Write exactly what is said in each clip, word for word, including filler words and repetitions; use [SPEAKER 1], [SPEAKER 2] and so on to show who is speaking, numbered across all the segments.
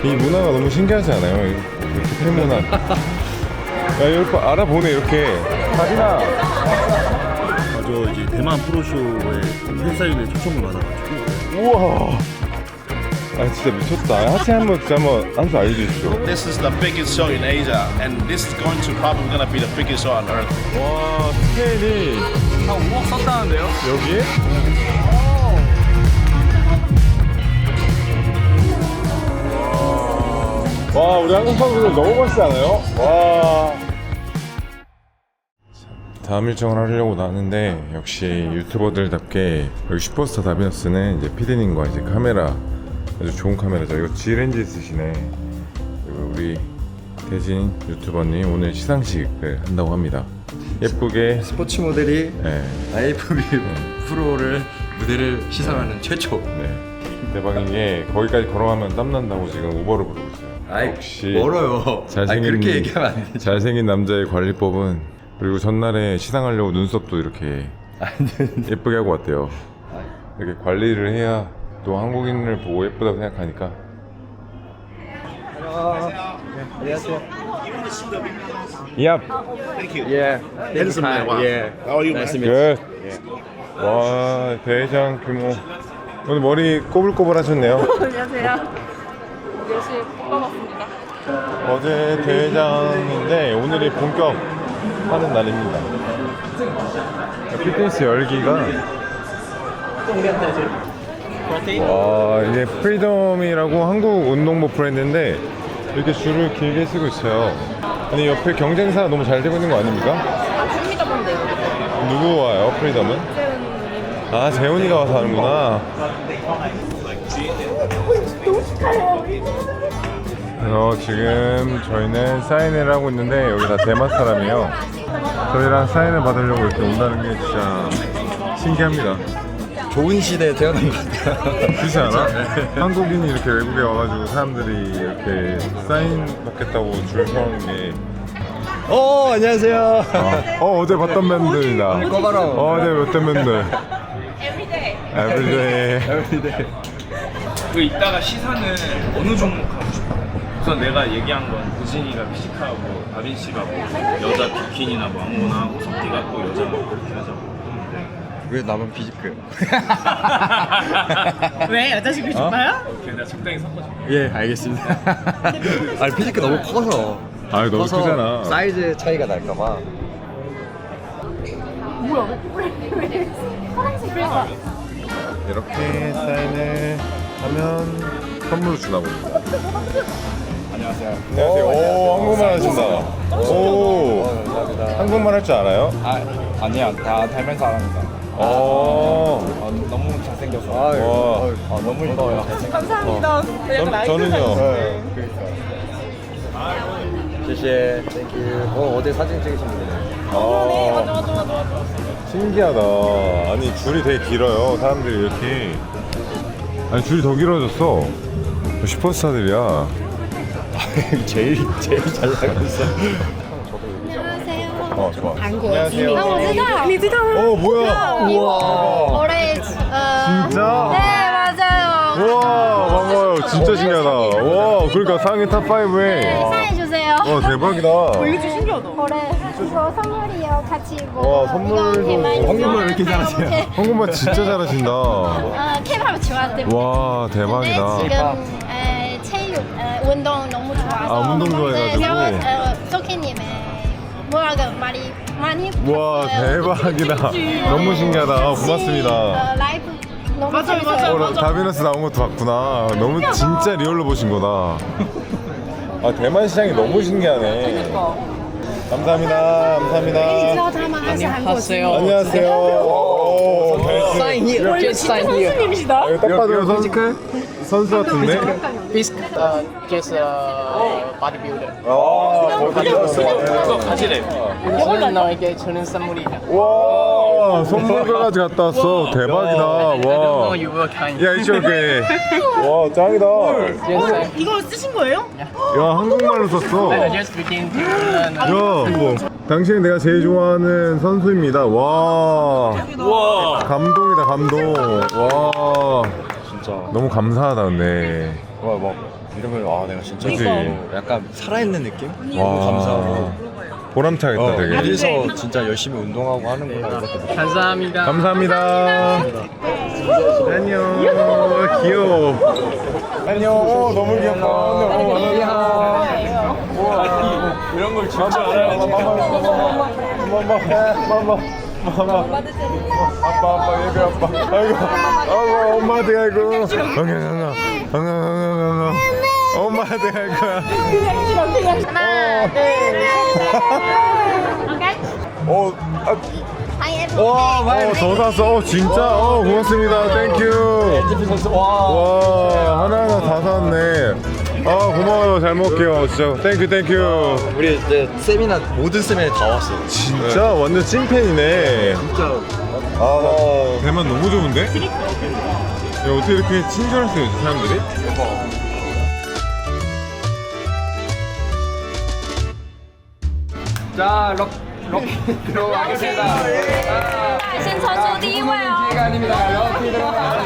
[SPEAKER 1] 이 문화가 너무 신기하지 않아요? 이렇게 팬문화. 야, 이렇게 알아보네, 이렇게. 가빈아!
[SPEAKER 2] 저 이제 대만 프로쇼에 팬사인회 초청을 받아가지고.
[SPEAKER 1] 우와! 아, 진짜 미쳤다. 하체 한번 진짜 한번 한 수 알려주십시오.
[SPEAKER 3] This is the biggest show in Asia, and this is going to probably gonna be the biggest show on earth.
[SPEAKER 1] 와, 스케일이.
[SPEAKER 4] 한 오억 썼다는데요?
[SPEAKER 1] 여기에? 와, 우리 한국 선수들 너무 멋지지 않아요? 와. 다음 일정을 하려고 나왔는데 역시 유튜버들답게 여기 슈퍼스타 다비너스는 이제 피디님과 이제 카메라 아주 좋은 카메라죠. 이거 G렌즈 쓰시네. 그리고 우리 대진 유튜버님 오늘 시상식을 한다고 합니다. 예쁘게
[SPEAKER 5] 스포츠 모델이
[SPEAKER 1] 네.
[SPEAKER 5] 아이에프비 프로를 무대를 시상하는 최초.
[SPEAKER 1] 네. 대박인 게 거기까지 걸어가면 땀난다고 지금 우버를 부르고 있어요.
[SPEAKER 5] 아이,
[SPEAKER 1] 역시
[SPEAKER 5] 멀어요.
[SPEAKER 1] 잘생긴,
[SPEAKER 5] 아니, 그렇게 얘기하면 안 되지.
[SPEAKER 1] 잘생긴 남자의 관리법은. 그리고 전날에 시상하려고 눈썹도 이렇게 예쁘게 하고 왔대요. 이렇게 관리를 해야 또 한국인을 보고 예쁘다고 생각하니까.
[SPEAKER 5] 안녕하세요.
[SPEAKER 1] Yep.
[SPEAKER 3] Thank you.
[SPEAKER 5] 예.
[SPEAKER 3] Handsome man. Wow.
[SPEAKER 5] 예.
[SPEAKER 3] How are you, man?
[SPEAKER 1] Good. 와, 대장 규모. 오늘 머리 꼬불꼬불 하셨네요.
[SPEAKER 6] 안녕하세요. 열심히 뽑아봤습니다.
[SPEAKER 1] 어제 대회장인데 오늘이 본격 하는 날입니다. 피트니스 열기가 와, 이게 프리덤이라고 한국 운동복 브랜드인데 이렇게 줄을 길게 쓰고 있어요. 아니 옆에 경쟁사가 너무 잘 되고 있는 거 아닙니까?
[SPEAKER 6] 아, 줍니다 본데요.
[SPEAKER 1] 누구 와요 프리덤은?
[SPEAKER 6] 세훈님.
[SPEAKER 1] 아, 재훈이가 와서 하는구나. 그래서 지금 저희는 사인회를 하고 있는데 여기 다 대만 사람이에요. 저희랑 사인을 받으려고 이렇게 온다는 게 진짜 신기합니다.
[SPEAKER 5] 좋은 시대에 태어난 것 같아요.
[SPEAKER 1] 그렇지 않아? 한국인이 이렇게 외국에 와가지고 사람들이 이렇게 사인 받겠다고 줄 서는 게
[SPEAKER 5] 어, 안녕하세요.
[SPEAKER 1] 어, 어제 봤던 밴드입니다.
[SPEAKER 5] 꺼봐라.
[SPEAKER 1] 어, 어제 봤던 밴드.
[SPEAKER 6] Everyday.
[SPEAKER 1] Everyday.
[SPEAKER 4] 그 이따가 시사는 어느 종목 하고 싶어요? 우선 내가 얘기한 건 우진이가 피지크하고 다빈 씨가 뭐 여자 비키니나 뭐 아무거나 하고 석기가 또 여자 그렇게 하자고.
[SPEAKER 5] 왜 나만 비지크?
[SPEAKER 6] 왜 여자식이 좋아요?
[SPEAKER 4] 그래 내가 적당히 섞어줄게.
[SPEAKER 5] 예, 알겠습니다. 아니, 비지크 너무 커서.
[SPEAKER 1] 아, 너무
[SPEAKER 5] 커서
[SPEAKER 1] 크잖아.
[SPEAKER 5] 사이즈 차이가 날까봐.
[SPEAKER 1] 이렇게 사인을 하면 선물을 주나 봅니다.
[SPEAKER 5] 안녕하세요.
[SPEAKER 1] 안녕하세요. 오, 한국말 하신다. 오,
[SPEAKER 5] 감사합니다.
[SPEAKER 1] 한국말 할 줄 알아요?
[SPEAKER 5] 아, 아니야. 다 닮은 사람입니다.
[SPEAKER 1] 어,
[SPEAKER 5] 어, 너무 잘생겨서.
[SPEAKER 1] 와.
[SPEAKER 5] 아, 너무 이뻐요.
[SPEAKER 6] 감사합니다.
[SPEAKER 1] 전, 저는요.
[SPEAKER 5] 谢谢. 땡큐. 어, 어제 사진 찍으신 분이네.
[SPEAKER 1] 아,
[SPEAKER 6] 맞아 맞아 맞아 맞아.
[SPEAKER 1] 신기하다. 아니 줄이 되게 길어요. 사람들이 이렇게. 아니 줄이 더 길어졌어. 슈퍼스타들이야.
[SPEAKER 5] 제일 제일 잘 나가고 있어.
[SPEAKER 1] 어, 좋아.
[SPEAKER 6] 안녕하세요.
[SPEAKER 7] 啊，我知道，你知道吗？
[SPEAKER 1] 어, 뭐야?
[SPEAKER 7] 우와. 오렌지. 어.
[SPEAKER 1] 진짜?
[SPEAKER 7] 네, 맞아요.
[SPEAKER 1] 와, 반가워요. 진짜 신기하다. 와, 그러니까 상위 탑 파이브에.
[SPEAKER 7] 네, 사인해주세요.
[SPEAKER 1] 와, 대박이다.
[SPEAKER 6] 이거 좀 신기하다.
[SPEAKER 7] 올해 이거 선물이요. 같이 이거.
[SPEAKER 1] 와, 선물도-
[SPEAKER 7] 이거
[SPEAKER 5] 한국말 왜 이렇게 잘하세요?
[SPEAKER 7] 네.
[SPEAKER 1] 한국말 진짜 잘하신다.
[SPEAKER 7] 어, 케이팝 좋아하는데.
[SPEAKER 1] 와, 대박이다.
[SPEAKER 7] 근데 지금 에, 체육, 에, 운동 너무 좋아서.
[SPEAKER 1] 아, 운동 좋아해가지고.
[SPEAKER 7] 네, 제가 소키님의 뭐라고 많이 많이.
[SPEAKER 1] 와,
[SPEAKER 7] 봤어요.
[SPEAKER 1] 대박이다. 너무 신기하다. 아, 고맙습니다.
[SPEAKER 7] 어, 라이브 너무
[SPEAKER 6] 맞아요,
[SPEAKER 7] 재밌어요.
[SPEAKER 6] 맞아요.
[SPEAKER 1] 어, 다비너스 나온 것도 봤구나. 너무 진짜 리얼로 보신 거다. 아, 대만 시장이 너무 신기하네. 감사합니다. 감사합니다.
[SPEAKER 6] 안녕하세요.
[SPEAKER 1] 안녕하세요. 오, 벨트.
[SPEAKER 6] 선수님이시다.
[SPEAKER 1] 아, 이거 딱 봐도 선, 선수 같은데?
[SPEAKER 8] Fisk, uh, just uh, bodybuilder.
[SPEAKER 1] 아,
[SPEAKER 4] 그거 가지래.
[SPEAKER 8] 저는 너에게 주는 선물이다.
[SPEAKER 1] 와, 선물까지 갔다 왔어. 대박이다.
[SPEAKER 8] I don't know
[SPEAKER 1] 와.
[SPEAKER 8] you work kind.
[SPEAKER 1] 야, 이쪽 게 와, 짱이다.
[SPEAKER 8] Just, uh,
[SPEAKER 6] 이거 쓰신 거예요?
[SPEAKER 1] 야, 한국말로 썼어.
[SPEAKER 8] I just begin to learn.
[SPEAKER 1] 야, 뭐, 당신이 내가 제일 좋아하는 선수입니다. 와,
[SPEAKER 4] 우와.
[SPEAKER 1] 감동이다, 감동. 와, 진짜 너무 감사하다, 근데.
[SPEAKER 5] 와, 뭐 이름을 아 내가 진짜
[SPEAKER 1] 그치?
[SPEAKER 5] 어, 약간 살아있는 느낌?
[SPEAKER 1] 와,
[SPEAKER 5] 감사하고
[SPEAKER 1] 보람차겠다
[SPEAKER 5] 어,
[SPEAKER 1] 되게.
[SPEAKER 5] 어디서 진짜 열심히 운동하고 하는구나 이렇게
[SPEAKER 8] 감사합니다.
[SPEAKER 1] 감사합니다. 안녕. 귀여워. 안녕. 어, 너무 귀엽다. 어, 안녕. 이런 걸 진짜 알아요. 마마, 마마, 마마, 마마. 아빠, 아빠, 얘들 아빠. 아이고, 아이고, 엄마한테 아이고. 엉엉엉엉, 엉엉엉엉. 엄마한테 아이고.
[SPEAKER 7] 하나, 둘, 셋. 오케이.
[SPEAKER 1] 어, 아.
[SPEAKER 7] Hai em.
[SPEAKER 1] 어, 더 샀어. 어, 진짜. 어, 고맙습니다. 땡큐. 와, 하나하나 다 샀네. 아, 고마워요. 잘 먹을게요. 진짜. 땡큐, 땡큐.
[SPEAKER 5] 우리 이제 세미나 모든 세미나 다 왔어요.
[SPEAKER 1] 진짜 완전 찐팬이네.
[SPEAKER 5] 진짜
[SPEAKER 1] 아, 대만 너무 좋은데? 야, 어떻게 이렇게 친절할 수 있지, 사람들이?
[SPEAKER 8] 자, 럭, 럭키 들어가겠습니다. 아,
[SPEAKER 7] 先抽出第一位哦。
[SPEAKER 8] 기회가 아닙니다. 럭키 들어가.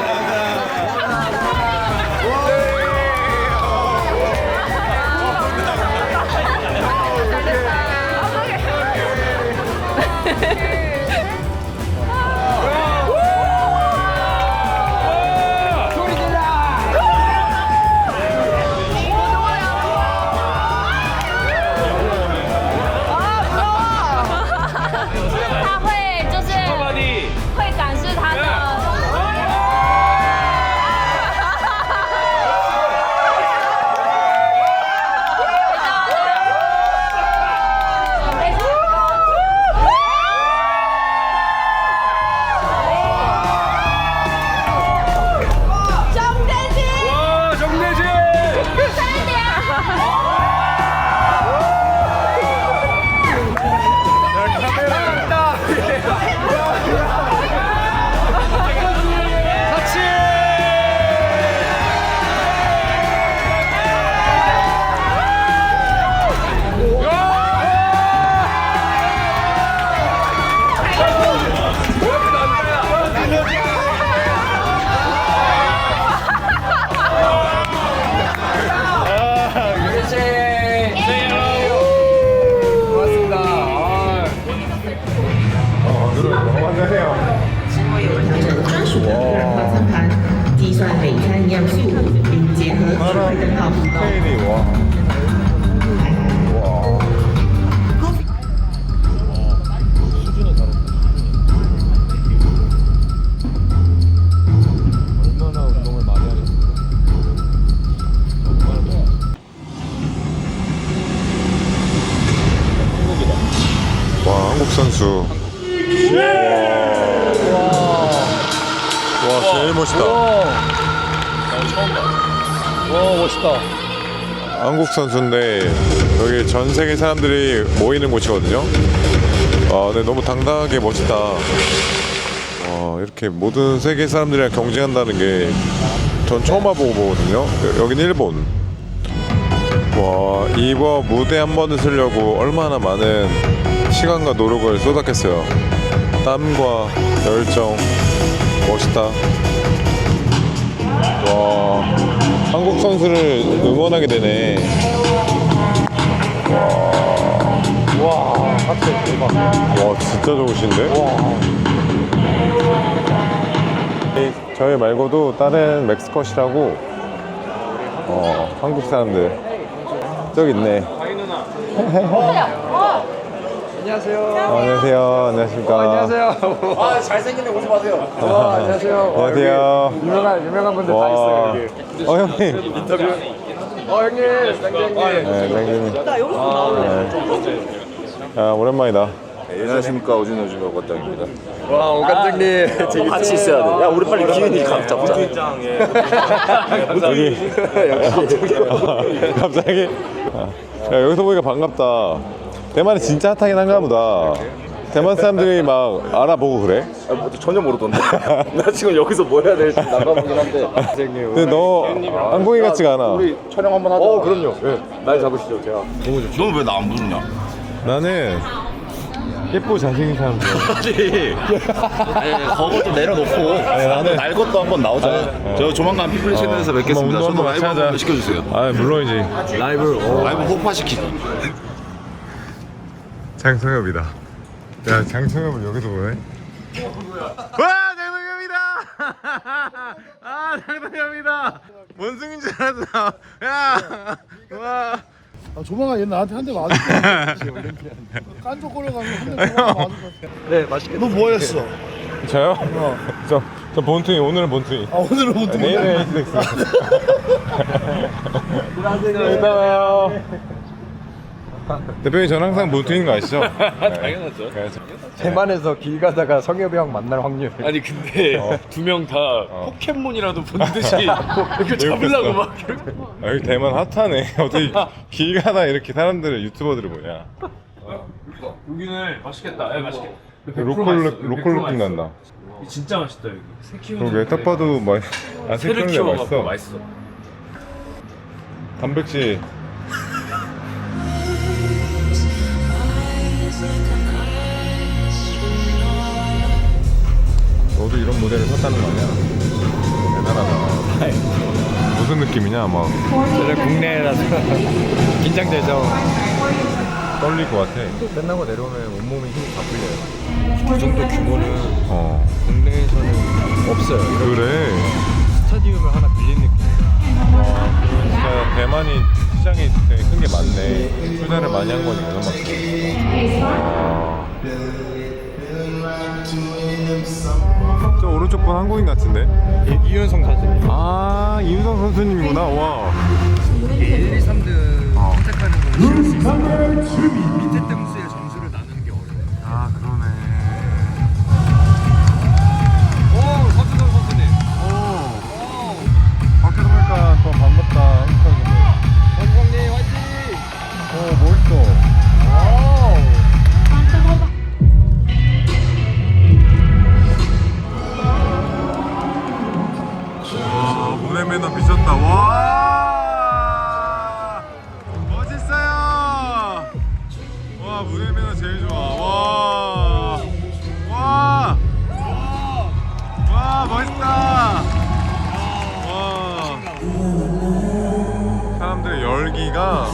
[SPEAKER 8] 소리 질러!
[SPEAKER 7] 他会就是会展示他的。
[SPEAKER 2] 와 정대진.
[SPEAKER 8] 고맙습니다. 아,
[SPEAKER 9] 专属的个人套餐盘，计算每餐营养素，并结合智慧灯泡提供。
[SPEAKER 1] 케일이, 와. 와.
[SPEAKER 5] 얼마나 운동을 많이 하셨어요?
[SPEAKER 1] 와, 한국 선수. 와. 와, 제일 멋있다.
[SPEAKER 5] 와 멋있다.
[SPEAKER 1] 한국 선수인데 여기 전 세계 사람들이 모이는 곳이거든요. 아, 근데 너무 당당하게 멋있다. 와, 이렇게 모든 세계 사람들이랑 경쟁한다는 게 전 처음 와보고 보거든요. 여기는 일본. 와, 이번 무대 한 번을 쓰려고 얼마나 많은 시간과 노력을 쏟았겠어요. 땀과 열정. 멋있다. 와, 한국 선수를 응원하게 되네.
[SPEAKER 5] 와 하트 대박.
[SPEAKER 1] 와, 진짜 좋으신데? 이, 저희 말고도 다른 맥스컷이라고 어, 한국 사람들 저기 있네.
[SPEAKER 5] 안녕하세요.
[SPEAKER 1] 어, 안녕하세요. 안녕하십니까.
[SPEAKER 5] 안녕하세요. 아 잘생긴데 오지 마세요. 아, 안녕하세요.
[SPEAKER 1] 안녕하세요.
[SPEAKER 5] 유명한 유명한 분들 다
[SPEAKER 1] 와.
[SPEAKER 5] 있어요 여기.
[SPEAKER 1] 어, 형님.
[SPEAKER 5] 인터뷰. 어 형님, 쌍장님.
[SPEAKER 1] 네, 땡님. 네. 아, 오랜만이다.
[SPEAKER 3] 안녕하십니까 오진호주가 과장입니다.
[SPEAKER 5] 와 오관장님 같이 있어야 돼. 야 우리 빨리 기훈이 감 잡자.
[SPEAKER 1] 여기. 갑자기? 아, 야, 여기서 보니까 반갑다. 대만이 진짜 핫하긴 한가 보다. 대만 사람들이 막 알아보고 그래?
[SPEAKER 3] 아, 뭐, 전혀 모르던데. 나 지금 여기서 뭐 해야 될지 난감하긴 한데.
[SPEAKER 1] 근데 너 한국인 같지가 않아.
[SPEAKER 3] 우리 촬영 한번 하자.
[SPEAKER 5] 어 그럼요. 네. 날 잡으시죠 제가.
[SPEAKER 3] 너는 왜 나 안 부르냐?
[SPEAKER 1] 나는 예쁘고 잘생긴 사람 좋아.
[SPEAKER 3] 아니, 그거 좀 내려놓고
[SPEAKER 1] 나는-
[SPEAKER 3] 날 것도 한번 나오자. 저 조만간 피플리 채널에서 뵙겠습니다.
[SPEAKER 1] 운동
[SPEAKER 3] 저도
[SPEAKER 1] 한번
[SPEAKER 3] 라이브
[SPEAKER 1] 같이 하자.
[SPEAKER 3] 한번 시켜주세요.
[SPEAKER 1] 아 물론이지.
[SPEAKER 5] 라이브.
[SPEAKER 3] 라이브 폭파시키기.
[SPEAKER 1] 장성엽이다. 야 장성엽을 여기서 보네. 와 장성엽이다. 아 장성엽이다. 원숭인 줄 알았어. 야 와.
[SPEAKER 2] 아, 조만간 얘 나한테 한 대 맞을 거야. 깐족 걸려가면 한 대 조만간 맞을 것 같아.
[SPEAKER 5] 네, 맛있게.
[SPEAKER 2] 너 뭐였어?
[SPEAKER 1] 저요? 저, 저 본투이 오늘은 본투이.
[SPEAKER 2] 아, 오늘은 못 듣는
[SPEAKER 1] 내일은 에이스덱스. 이따 봐요. 대표님 저는 항상 본투인 거 아시죠?
[SPEAKER 4] 당연하죠.
[SPEAKER 1] 네.
[SPEAKER 5] 대만에서 길 가다가 성엽이 형 만날 확률.
[SPEAKER 4] 아니 근데 두 명 다 포켓몬이라도 본 듯이 이렇게 잡으려고 막 이렇게.
[SPEAKER 1] 아, 여기 대만 핫하네. 어떻게 길 가다 이렇게 사람들을 유튜버들을 보냐.
[SPEAKER 4] 여기는 맛있겠다. 예, 맛있겠다.
[SPEAKER 1] 로컬 로컬 느낌 난다.
[SPEAKER 4] 진짜 맛있다 여기. 새 키우는.
[SPEAKER 1] 그러게 딱 봐도 막 아,
[SPEAKER 4] 새를
[SPEAKER 1] 색깔이
[SPEAKER 4] 키워갖고
[SPEAKER 1] 맛있어.
[SPEAKER 4] 맛있어.
[SPEAKER 1] 단백질. 너도 이런 모델을 샀다는 거 아니야? 대단하다. 무슨 느낌이냐? 막
[SPEAKER 5] 저는 국내라서 긴장되죠.
[SPEAKER 1] 떨릴 것 같아.
[SPEAKER 5] 끝나고 내려오면 온몸에 힘이 다 풀려요. 그 정도 규모는
[SPEAKER 1] 어.
[SPEAKER 5] 국내에서는 없어요. 이런
[SPEAKER 1] 그래.
[SPEAKER 5] 스타디움을 하나 빌린 느낌.
[SPEAKER 1] 진짜 대만이 시장이 되게 큰 게 많네. 투자를 많이 한 거니까 그만큼. 아. 저 오른쪽 분 한국인 같은데?
[SPEAKER 5] 이, 이윤성 선수님.
[SPEAKER 1] 아 이윤성 선수님이구나. 와.
[SPEAKER 5] 일, 이, 삼 등
[SPEAKER 1] 어.
[SPEAKER 5] 선택하는 건 쉬울 수 있어요. 밑에 등수의 점수를 나누는 게 어려워요.
[SPEAKER 1] 아 그러네.
[SPEAKER 5] 오, 서준성 선수님.
[SPEAKER 1] 오. 밖에서 보니까 더 반갑다. 한국 사람들.
[SPEAKER 5] 서준성님 화이팅!
[SPEAKER 1] 오 멋있어. 와 문의 매너 미쳤다. 와 멋있어요. 와 문의 매너 제일 좋아. 와. 와. 와 멋있다. 와. 사람들의 열기가.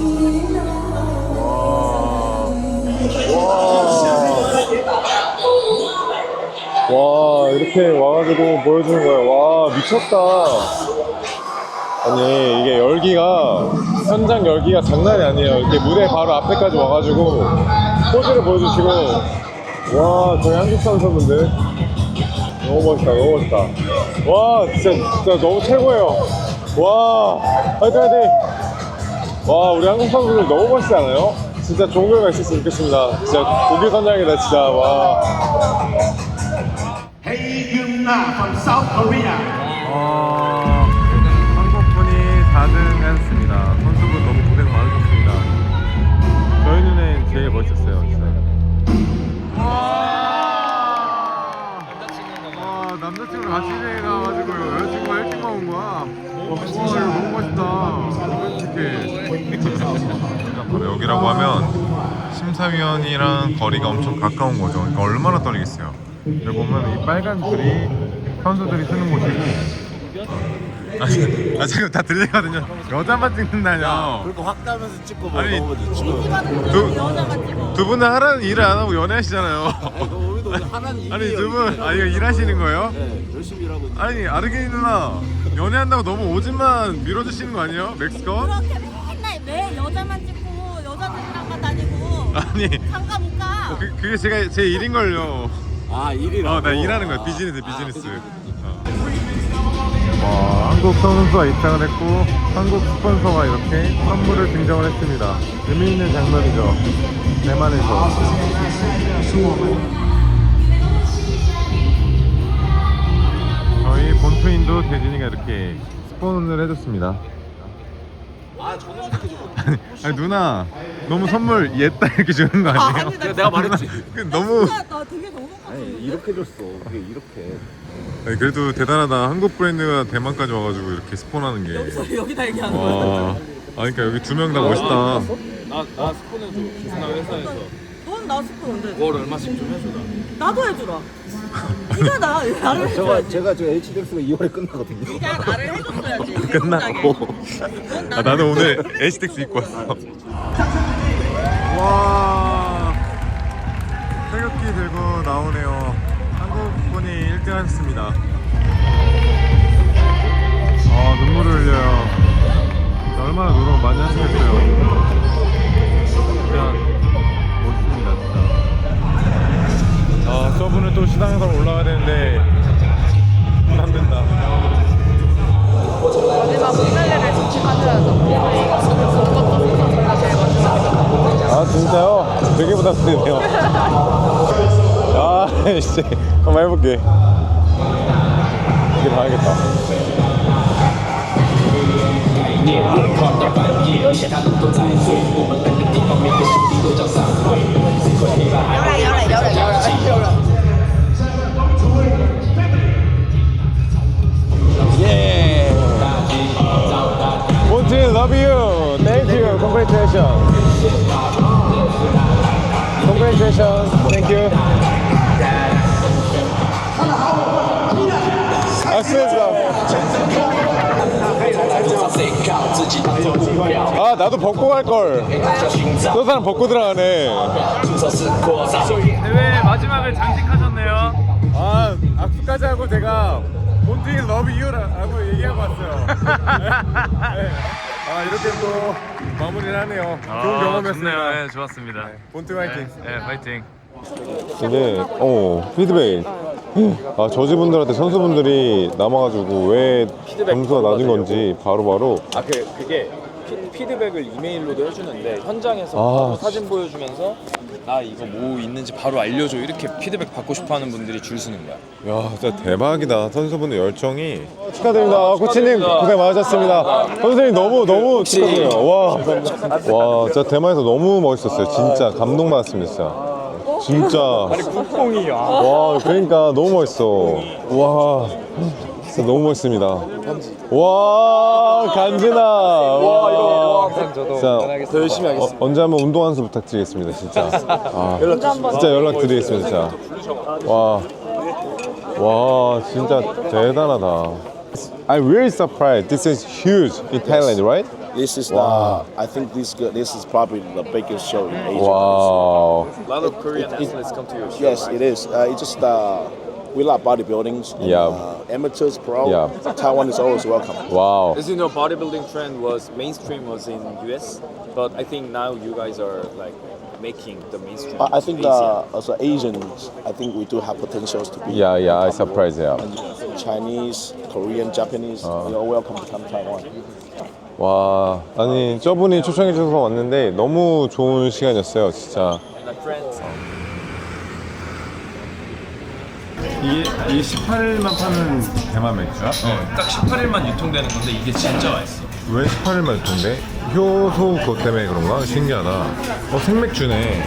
[SPEAKER 1] 와 이렇게 와가지고 보여주는 거야. 와 미쳤다. 아니 이게 열기가 현장 열기가 장난이 아니에요. 이렇게 무대 바로 앞에까지 와가지고 포즈를 보여주시고 와 저희 한국 선수분들 너무 멋있다 너무 멋있다. 와 진짜 진짜 너무 최고예요. 와 화이팅 화이팅. 와 우리 한국 선수들 너무 멋있지 않아요? 진짜 좋은 결과 있었으면 좋겠습니다. 진짜 독일 선장이다 진짜. 와. 어, 한국분이 사 등 하셨습니다. 선수분 너무 고생 많으셨습니다. 저희 눈엔 제일 멋있었어요, 진짜. 와, 와 남자친구랑 같이 가가지고 여자친구가 일찍 나온 거야. 와, 이거 너무 멋있다. 어떻게? 바로 여기라고 하면 심사위원이랑 거리가 엄청 가까운 거죠. 그러니까 얼마나 떨리겠어요. 여기 보면 이 빨간 줄이 선수들이 쓰는 곳이고. 아, 아 지금 다 들리거든요. 여자만 찍는다뇨.
[SPEAKER 3] 그렇게 확 따면서 찍고 뭐
[SPEAKER 1] 아니,
[SPEAKER 3] 너무 찍고.
[SPEAKER 1] 두, 두 분은 하라는 일을 안 하고 연애하시잖아요.
[SPEAKER 3] 우리도 하나는 일이
[SPEAKER 1] 아니 두 분, 아 이거 일하시는 거예요?
[SPEAKER 3] 네, 열심히 일하고 있는.
[SPEAKER 1] 아니 아르게니 누나 연애한다고 너무 오줌만 밀어주시는 거 아니에요? 멕시코?
[SPEAKER 7] 그렇게 맨날 왜 여자만 찍고 여자들이랑만 다니고
[SPEAKER 1] 아니
[SPEAKER 7] 상가 못 가.
[SPEAKER 1] 그, 그게 제가 제 일인걸요.
[SPEAKER 3] 아 일이라고.
[SPEAKER 1] 어, 나 일하는 거야. 비즈니스, 비즈니스. 어. 와, 한국 선수가 입장을 했고 한국 스폰서가 이렇게 선물을 증정을 했습니다. 의미 있는 장면이죠. 대만에서. 저희 본투인도 대진이가 이렇게 스폰을 해줬습니다.
[SPEAKER 3] 아 저는 어떻게 줘?
[SPEAKER 1] 아니, 아니 누나 너무 선물 옛다 이렇게 주는 거 아니에요?
[SPEAKER 7] 아니, 나
[SPEAKER 3] 내가 말했지.
[SPEAKER 1] 그 너무
[SPEAKER 7] 나 되게 너무
[SPEAKER 3] 아니 이렇게 줬어. 그게 이렇게.
[SPEAKER 1] 아니, 그래도 대단하다. 한국 브랜드가 대만까지 와가지고 이렇게 스폰하는 게.
[SPEAKER 7] 여기다 얘기하는
[SPEAKER 1] 와. 아 그러니까 여기 두 명 다 멋있다.
[SPEAKER 4] 나나 스폰해줘. 기스나 회사에서.
[SPEAKER 7] 넌
[SPEAKER 6] 나 스프 언제?
[SPEAKER 4] 월 얼마씩 좀 해주라.
[SPEAKER 6] 나도 해주라. 네가 나 나를 해줘야지.
[SPEAKER 8] 제가 저 에이치디엑스가 이월에 끝나거든요.
[SPEAKER 6] 네가 나를 해줬어야지.
[SPEAKER 1] 끝나고. 아, 나는 오늘 에이치텍스 입고 왔어. 와, 태극기 들고 나오네요. 한국분이 일 등 하셨습니다. 아, 눈물을 흘려요. 얼마나 노력 많이 하시겠어요. 진짜 멋있습니다, 진짜. 아, 저분은 또 시상에서 올라가야 되는데 부담된다.
[SPEAKER 6] 마지막 피날레를 지켜줘야죠.
[SPEAKER 1] 아, 진짜요? 되게 부담되네요. 아, 씨, 한번 해볼게. 이게 봐야겠다. 예. Monty, love you. Thank you. Congratulations. Congratulations. Thank you. 아, 나도 벗고 갈 걸. 저 사람 벗고 들어가네.
[SPEAKER 4] 대회 마지막을 장식하셨네요.
[SPEAKER 1] 아, 악수까지 하고 제가 몬티 러브 유라고 얘기하고 왔어요. 네. 아, 이렇게 또 마무리를 하네요. 좋은 경험이었습니다.
[SPEAKER 4] 네, 좋았습니다.
[SPEAKER 1] 몬티 화이팅.
[SPEAKER 4] 네, 파이팅.
[SPEAKER 1] 이게 어 피드백. 아, 저지분들한테 선수분들이 남아가지고 왜 점수가 낮은 건지 바로바로.
[SPEAKER 4] 아, 그 그게 피, 피드백을 이메일로도 해주는데 현장에서
[SPEAKER 1] 아,
[SPEAKER 4] 바로 사진 보여주면서 아 이거 뭐 있는지 바로 알려줘 이렇게 피드백 받고 싶어하는 분들이 줄 서는 거야.
[SPEAKER 1] 야, 진짜 대박이다. 선수분들 열정이. 축하드립니다. 아, 코치님 고생 많으셨습니다. 선생님 너무 너무 축하드려요. 와, 와, 진짜 대만에서 너무 멋있었어요. 진짜 감동받았습니다. 진짜. 진짜. 아니, 국뽕이야. 와, 그러니까 너무 멋있어. 와, 진짜 너무 멋있습니다. 와, 간지나. 와, 진짜 더 열심히 하겠습니다. 어, 언제 한번 운동 한 수 부탁드리겠습니다. 진짜. 아, 진짜 연락 드리겠습니다. 진짜. 와, 와, 진짜 대단하다. I'm really surprised. This is huge in Thailand, right?
[SPEAKER 3] This is
[SPEAKER 1] Wow.
[SPEAKER 3] the. I think this go- this is probably the biggest show in Asia.
[SPEAKER 1] Wow.
[SPEAKER 4] A lot of Korean athletes come to your show.
[SPEAKER 3] Yes, it is. Uh, it's just uh, we like bodybuilding. and,
[SPEAKER 1] Yeah.
[SPEAKER 3] Uh, amateurs, pro.
[SPEAKER 1] Yeah.
[SPEAKER 3] Taiwan is always welcome.
[SPEAKER 1] Wow.
[SPEAKER 4] As you know, bodybuilding trend was mainstream was in U S, but I think now you guys are like making the mainstream.
[SPEAKER 3] I, I think
[SPEAKER 4] Asia.
[SPEAKER 3] uh, as a Asians, I think we do have potentials to be.
[SPEAKER 1] Yeah, yeah, I'm surprised. Yeah.
[SPEAKER 3] Chinese, Korean, Japanese, you're all welcome to come to Taiwan.
[SPEAKER 1] 와, 아니 저분이 초청해 주셔서 왔는데 너무 좋은 시간이었어요, 진짜.
[SPEAKER 4] And my friends.
[SPEAKER 1] 이게 이게 십팔 일만 파는 대만 맥주야?
[SPEAKER 4] 어, 딱 십팔 일만 유통되는 건데 이게 진짜 맛있어.
[SPEAKER 1] 왜 십팔 일만 유통돼? 효소 그것 때문에 그런가? 신기하다. 어, 생맥주네.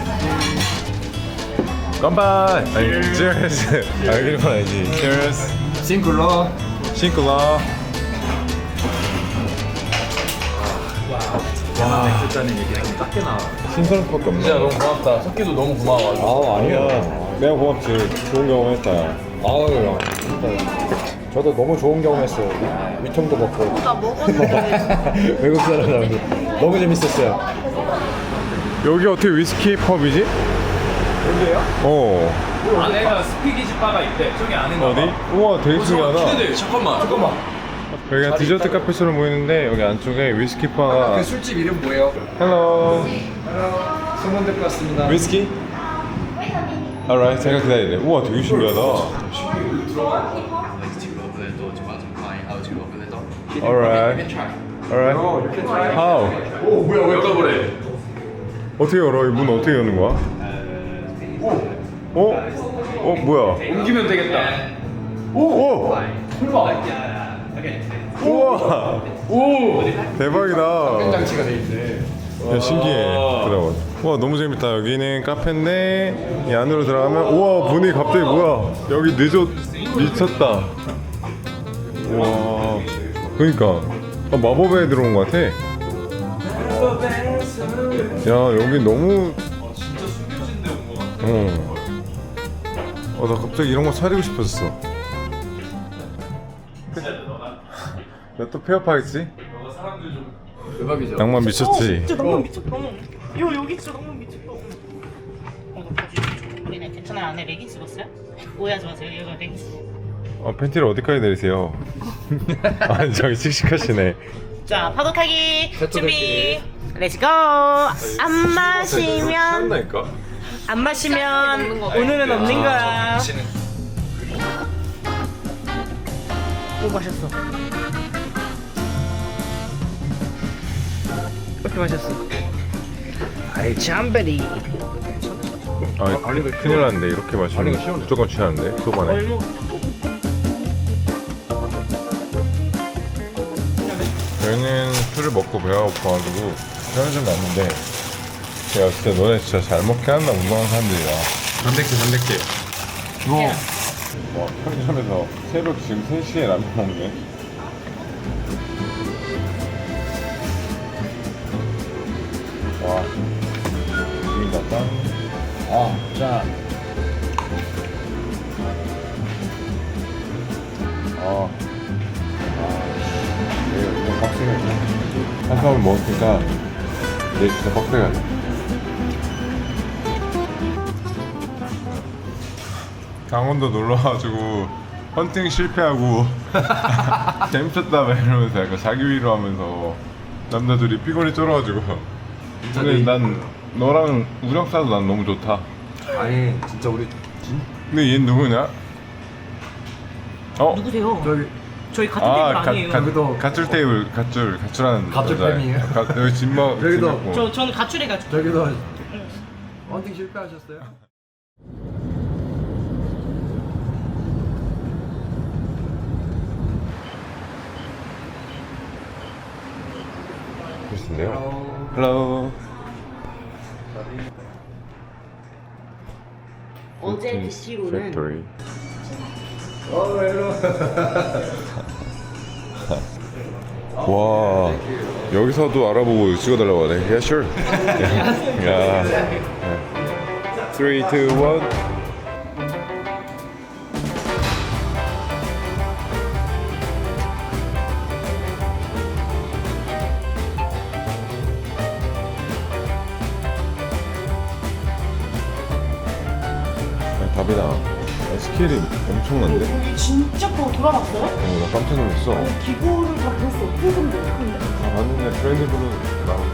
[SPEAKER 1] 깜빡! 아니, cheers! 아, 이런 건 아니지. cheers!
[SPEAKER 8] 싱글러.
[SPEAKER 1] 싱글러.
[SPEAKER 8] 와, 맥주잔의 얘기는 작게 나와.
[SPEAKER 1] 신선할 수밖에 없네.
[SPEAKER 4] 진짜 너무 고맙다. 석기도 너무 고마워.
[SPEAKER 8] 아, 아니야.
[SPEAKER 1] 내가 고맙지. 좋은 경험 했다.
[SPEAKER 8] 아유, 진짜. 저도 너무 좋은 경험했어요. 위통도 먹고.
[SPEAKER 6] 나 먹었는데.
[SPEAKER 8] 외국 사람들 너무 재밌었어요.
[SPEAKER 1] 여기 어떻게 위스키 펍이지?
[SPEAKER 4] 여기요?
[SPEAKER 1] 어.
[SPEAKER 4] 안에가 스피기지 바가 있대. 저기 안에
[SPEAKER 1] 어디? 우와, 되게 신기하다.
[SPEAKER 4] 근데 잠깐만. 잠깐만.
[SPEAKER 1] 여기가 디저트 카페처럼 보이는데 여기 안쪽에 위스키 바가.
[SPEAKER 8] 그 술집 이름 뭐예요?
[SPEAKER 1] 헬로.
[SPEAKER 8] 소문 듣고 왔습니다.
[SPEAKER 1] 위스키? alright, 제가 기다리래. 우와, 되게 신기하다. alright. alright. how?
[SPEAKER 4] 오 뭐야 왜 떠버려?
[SPEAKER 1] 어떻게 열어? 이 문 어떻게 여는 거야? 어? 어, 뭐야?
[SPEAKER 4] 옮기면 되겠다.
[SPEAKER 1] 오! 우와!
[SPEAKER 4] 오.
[SPEAKER 1] 대박이다.
[SPEAKER 8] 장치가 돼 있네.
[SPEAKER 1] 야, 신기해. 들어가. 와, 너무 재밌다. 여기는 카페인데 이 안으로 들어가면 우와, 분위기 갑자기 뭐야? 여기 늦어 미쳤다. 와, 그러니까 아, 마법에 들어온 것 같아. 야, 여기 너무
[SPEAKER 4] 진짜 숨겨진 데 온 거
[SPEAKER 1] 어. 어, 나 갑자기 이런 거 차리고 싶었어. 나 또 폐업하겠지?
[SPEAKER 5] 대박이죠.
[SPEAKER 1] 낭만 미쳤지?
[SPEAKER 6] 진짜 너무 미쳤다. 요 여기 진짜 너무 미쳤다. 이거 바지 우리는 괜찮아요. 안에 레깅스 입었어요? 오해하지 마세요. 이거 레깅스.
[SPEAKER 1] 어, 팬티를 어디까지 내리세요? 아, 저기 씩씩하시네.
[SPEAKER 6] 자 파도 타기 준비. 렛츠고. 안 마시면
[SPEAKER 1] 한다니까?
[SPEAKER 6] 안 마시면 오늘은 없는 거야. 오 마셨어. 이렇게 마셨어. 아이 참베리.
[SPEAKER 1] 아, 큰일 났는데 이렇게 마시면 무조건 취하는데 소반에.
[SPEAKER 6] 얼마?
[SPEAKER 1] 저희는 술을 먹고 배가 고파가지고 편의점 갔는데 야 진짜 너네 진짜 잘 먹게 한다 운동하는 사람들이야.
[SPEAKER 5] 단백질 단백질.
[SPEAKER 1] 이거 와 편의점에서 새벽 지금 세 시에 라면 먹네. 와 지금 갔다.
[SPEAKER 8] 아, 자,
[SPEAKER 1] 아, 네, 이거 빡세게 한 사람을 먹었으니까 내 진짜 빡세게 하자. 강원도 놀러와가지고 헌팅 실패하고 재밌었다 막 이러면서 약간 자기 위로하면서 남자들이 피곤이 쫄아가지고 근데 난 너랑 우정사도 난 너무 좋다.
[SPEAKER 5] 아니 진짜 우리
[SPEAKER 1] 근데 얘 누구냐? 어?
[SPEAKER 6] 누구세요?
[SPEAKER 5] 저기
[SPEAKER 6] 저희 같은 테이블 아니에요.
[SPEAKER 1] 가,
[SPEAKER 5] 여기도-
[SPEAKER 1] 가출 테이블 가출 가출하는
[SPEAKER 5] 가출
[SPEAKER 1] 여자애.
[SPEAKER 5] 팬이에요?
[SPEAKER 1] 가, 여기 진먹
[SPEAKER 5] 여기도-
[SPEAKER 1] 진먹고.
[SPEAKER 6] 저 저는 가출해가지고.
[SPEAKER 5] 저기도 헌팅 실패하셨어요?
[SPEAKER 1] 글쎄인데요. Hello.
[SPEAKER 6] 어제 드시고는
[SPEAKER 1] Factory. 와 여기서도 알아보고 찍어달라고 하네. Yeah, sure. 야. Three, two, one. 답이다. 스케일이 엄청난데?
[SPEAKER 6] 여기 진짜 더 돌아봤어요?
[SPEAKER 1] 어, 나 깜짝 놀랐어.
[SPEAKER 6] 기구를 다 볼 수 없을 정도로 큰데.
[SPEAKER 1] 아, 봤는데 트렌드블루 나오고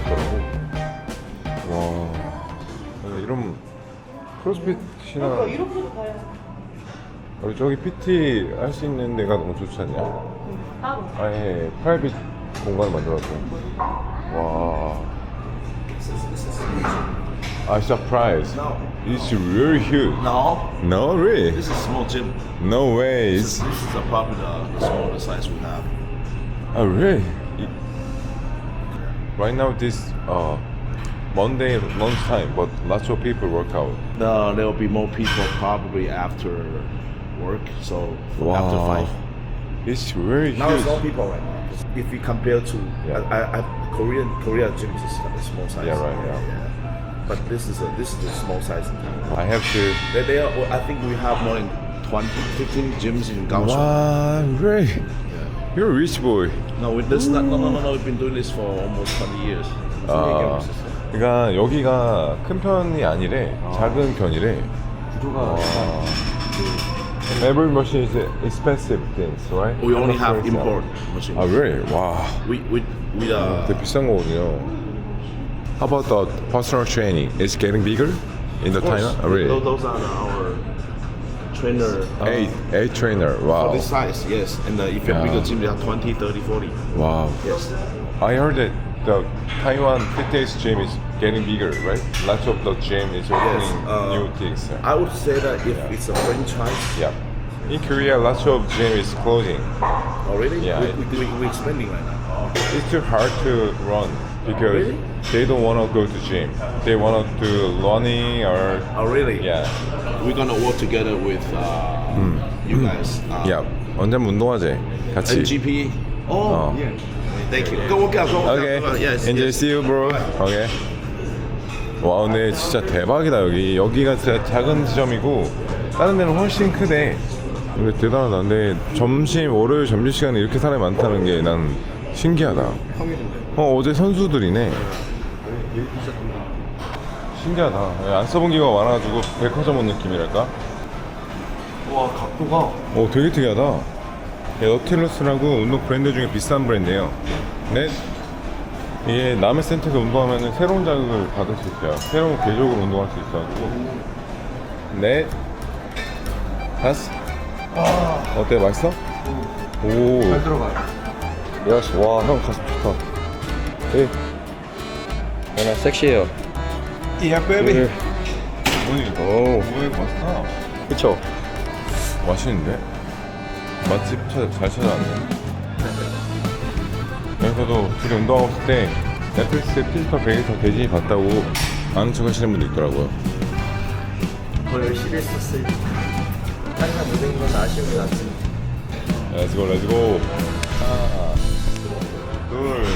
[SPEAKER 1] 같더라고. 와, 아, 이런 크로스핏이나
[SPEAKER 6] 그러니까 이렇게도 봐요.
[SPEAKER 1] 우리 저기 피티 할 수 있는 데가 너무 좋지 않냐?
[SPEAKER 6] 따로.
[SPEAKER 1] 아예 프라이빗 공간 만들었고. 와. I'm surprised. It's really huge.
[SPEAKER 3] No,
[SPEAKER 1] No, really?
[SPEAKER 3] this is a small gym.
[SPEAKER 1] No way.
[SPEAKER 3] This,
[SPEAKER 1] It's,
[SPEAKER 3] this is a popular, the smaller size we have.
[SPEAKER 1] oh, really? It- right now, this uh, Monday lunchtime, but lots of people work out.
[SPEAKER 3] No, there will be more people probably after work, so after five.
[SPEAKER 1] It's really
[SPEAKER 3] Now it's all
[SPEAKER 1] huge.
[SPEAKER 3] people right now. If we compare to
[SPEAKER 1] Yeah.
[SPEAKER 3] I, I, Korean Korea gym is a small size.
[SPEAKER 1] Yeah, right, yeah.
[SPEAKER 3] But this is a this is a small size.
[SPEAKER 1] I have to.
[SPEAKER 3] They, they are, well, I think we have more than twenty, fifteen gyms in Kaohsiung.
[SPEAKER 1] Wow, really?
[SPEAKER 3] Yeah.
[SPEAKER 1] You're a rich boy.
[SPEAKER 3] No, we, this not, no, no, no, no. We've been doing this for almost twenty years.
[SPEAKER 1] 아, 그러니까 여기가 큰 편이 아니래. 작은 편이래.
[SPEAKER 5] 구조가
[SPEAKER 1] Every machine is expensive things, right?
[SPEAKER 3] We only have
[SPEAKER 1] Crazy.
[SPEAKER 3] import machines.
[SPEAKER 1] 아, really? 와,
[SPEAKER 3] We we we uh,
[SPEAKER 1] 되게 비싼 거거든요. How about the personal training? It's getting bigger in the
[SPEAKER 3] of course,
[SPEAKER 1] China? Oh, really?
[SPEAKER 3] those, those are our trainer. Uh,
[SPEAKER 1] Eight, eight trainer.
[SPEAKER 3] For
[SPEAKER 1] Wow,
[SPEAKER 3] this size, yes. And uh, if you're
[SPEAKER 1] Yeah.
[SPEAKER 3] bigger gym, they have twenty, thirty, forty.
[SPEAKER 1] wow.
[SPEAKER 3] Yes.
[SPEAKER 1] I heard that the Taiwan fitness gym is getting bigger, right? Lots of the gym is opening
[SPEAKER 3] uh,
[SPEAKER 1] new things.
[SPEAKER 3] I would say that if
[SPEAKER 1] Yeah.
[SPEAKER 3] it's a franchise,
[SPEAKER 1] Yeah. In Korea, lots of gym is closing.
[SPEAKER 3] already,
[SPEAKER 1] Yeah,
[SPEAKER 3] we,
[SPEAKER 1] it-
[SPEAKER 3] we, we, we're expanding right now.
[SPEAKER 1] It's too hard to run because
[SPEAKER 3] Really?
[SPEAKER 1] they don't want to go to gym. They want to do running or
[SPEAKER 3] Oh, really?
[SPEAKER 1] yeah.
[SPEAKER 3] We're gonna work together with uh, you guys. Uh,
[SPEAKER 1] 야, 언제 운동하지? 같이.
[SPEAKER 3] And G P. Oh,
[SPEAKER 1] 어.
[SPEAKER 3] yeah. Thank you. Go work out. Go work
[SPEAKER 1] Okay.
[SPEAKER 3] out. Go work out. Yes.
[SPEAKER 1] Enjoy.
[SPEAKER 3] yes.
[SPEAKER 1] See you, bro. Okay. 와 근데 진짜 대박이다. 여기 여기가 진짜 작은 지점이고 다른 데는 훨씬 크대. 근데 대단하다. 근데 점심 월요일 점심시간에 이렇게 사람이 많다는 게 난 신기하다. 어 어제 선수들이네. 신기하다. 안 써본 기가 많아가지고 백화점 온 느낌이랄까?
[SPEAKER 5] 와 각도가
[SPEAKER 1] 오 되게 특이하다. 예, 너틸러스라고 운동 브랜드 중에 비싼 브랜드예요. 네. 이게 남의 센터에서 운동하면 새로운 자극을 받을 수 있어요. 새로운 궤적으로 운동할 수 있어가지고. 네. 다섯. 어때? 맛있어? 오.
[SPEAKER 5] 잘 들어가요.
[SPEAKER 1] 야씨, 와, 형 가슴 좋다. 예.
[SPEAKER 8] 연아 섹시해요.
[SPEAKER 5] 야 베이비.
[SPEAKER 1] 뭐니?
[SPEAKER 8] 오,
[SPEAKER 1] 뭐야, 이거 맛있다.
[SPEAKER 8] 그쵸?
[SPEAKER 1] 맛있는데? 맛집 찾아, 잘 찾아왔네. 여기서도 둘이 운동하고 있을 때 넷플릭스에 피지컬 베이터 대진이 봤다고 아는 척 하시는 분도 있더라고요.
[SPEAKER 8] 더 열심히 했었어요. 항상 모든 건 아쉬움이 났습니다.
[SPEAKER 1] 렛츠고 렛츠고. 하나 둘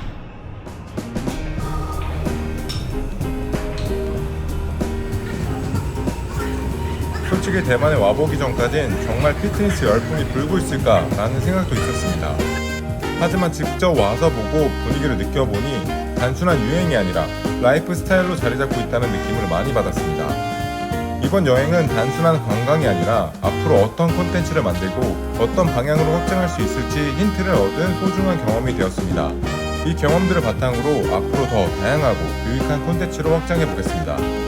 [SPEAKER 1] 솔직히 대만에 와보기 전까진 정말 피트니스 열풍이 불고 있을까 라는 생각도 있었습니다. 하지만 직접 와서 보고 분위기를 느껴보니 단순한 유행이 아니라 라이프 스타일로 자리 잡고 있다는 느낌을 많이 받았습니다. 이번 여행은 단순한 관광이 아니라 앞으로 어떤 콘텐츠를 만들고 어떤 방향으로 확장할 수 있을지 힌트를 얻은 소중한 경험이 되었습니다. 이 경험들을 바탕으로 앞으로 더 다양하고 유익한 콘텐츠로 확장해 보겠습니다.